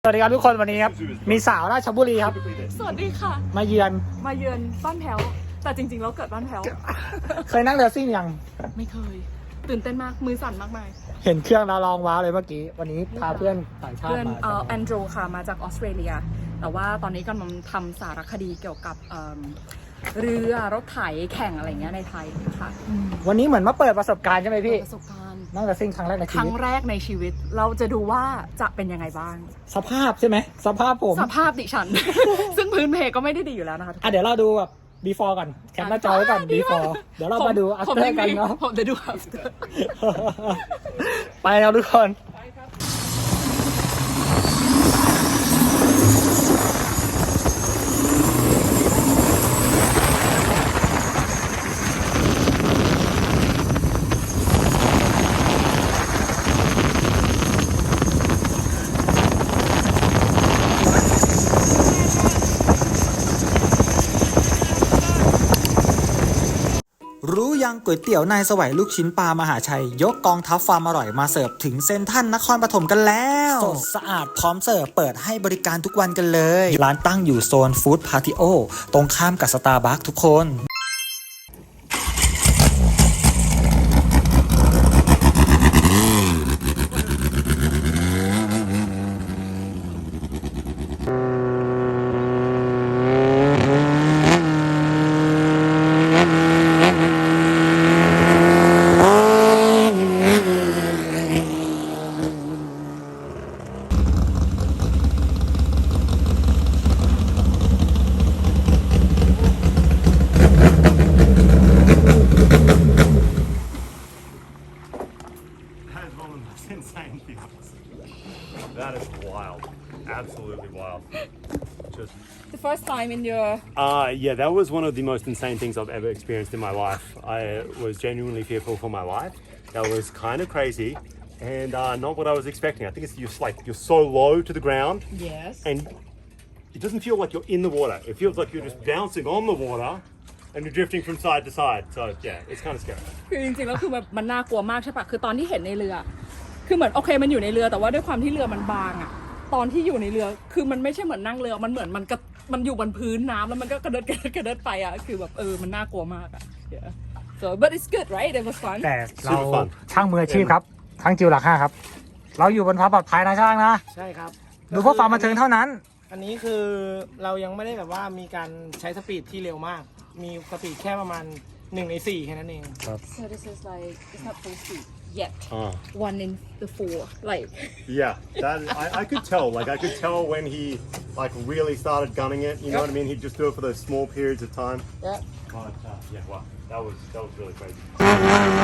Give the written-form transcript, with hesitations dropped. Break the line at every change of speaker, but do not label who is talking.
สวัสดีครับทุกคนวันนี้ครับมีสาวราชบุรีครับ
สวัสดีค่ะ
มาเยือน
บ้านแพ้วแต่จริงๆแล้วเกิดบ้านแพ้ว
เคยนั่งเรือซิ่งยัง
ไม่เคยตื่นเต้นมากมือสั่นมากมาย
เห็นเครื่องแล้วลองว้าวเลยเมื่อกี้วันนี้พาเพื่อนต่างชาติมา
แอนโดรค่ะมาจากออสเตรเลียแต่ว่าตอนนี้กำลังทำสารคดีเกี่ยวกับเรือรถไถแข่งอะไรเงี้ยในไทยค่ะ
วันนี้เหมือนมาเปิดประสบการณ์ใช่ไหมพี่
ประสบการณ์
นั่งเรือซิ่งครั้งแรกในชีวิต
ครั้งแรกในชีวิตเราจะดูว่าจะเป็นยังไงบ้าง
สภาพใช่ไหมสภาพผม
สภาพดิฉัน ซึ่งพื้นเพก็ไม่ได้ดีอยู่แล้วนะคะ
เดี๋ยวเราดูแบบ before ก่อนแคปหน้าจอไว้ก่อน before เดี๋ยวเรามาดู after กันเนาะ
ผมจะดู after
ไปครับทุกคน
รู้ยังก๋วยเตี๋ยวนายสวัยลูกชิ้นปลามหาชัยยกกองทัพความอร่อยมาเสิร์ฟถึงเซ็นทรัลนครปฐมกันแล้วสดสะอาดพร้อมเสิร์ฟเปิดให้บริการทุกวันกันเลยร้านตั้งอยู่โซนฟู้ดพาติโอตรงข้ามกับสตาร์บัคทุกคน
Insane things. That is wild. Absolutely wild. Just
The first time in your
yeah, that was one of the most insane things I've ever experienced in my life. I was genuinely fearful for my life. That was kind of crazy and not what I was expecting. I think it's just like you're so low to the ground
yes
and it doesn't feel like you're in the water. It feels like you're just bouncing on the water and you're drifting from side to side. So yeah, it's kind of scary.
คือจริงๆแล้วคือมันน่ากลัวมากใช่ปะคือตอนที่เห็นในเรือคือเหมือนโอเคมันอยู่ในเรือแต่ว่าด้วยความที่เรือมันบางอะตอนที่อยู่ในเรือคือมันไม่ใช่เหมือนนั่งเรือมันเหมือนมันอยู่บนพื้นน้ำแล้วมันก็กระเดิดไปอะคือแบบมันน่ากลัวมากอะ yeah so but it's good right it was fun
แต่เราช่างมืออาชีพครับช่างจิวหลัก5ครับเราอยู่บนความปลอดภัยนะช่างนะ
ใช่ครับ
ดูเพื่อความบันเทิงเท่านั้น
อันนี้คือเรายังไม่ได้แบบว่ามีการใช้สปีดที่เร็วมากมีสปีดแค่ประมาณ1 ใน 4แค่นั้นเอง
so this is like it's not full speed yet 1 in the 4 like
Yeah, that I could tell. Like I could tell when he like really started gunning it. You know what I mean? He'd just do it for those small periods of time.
yeah
But yeah, wow, that was really crazy.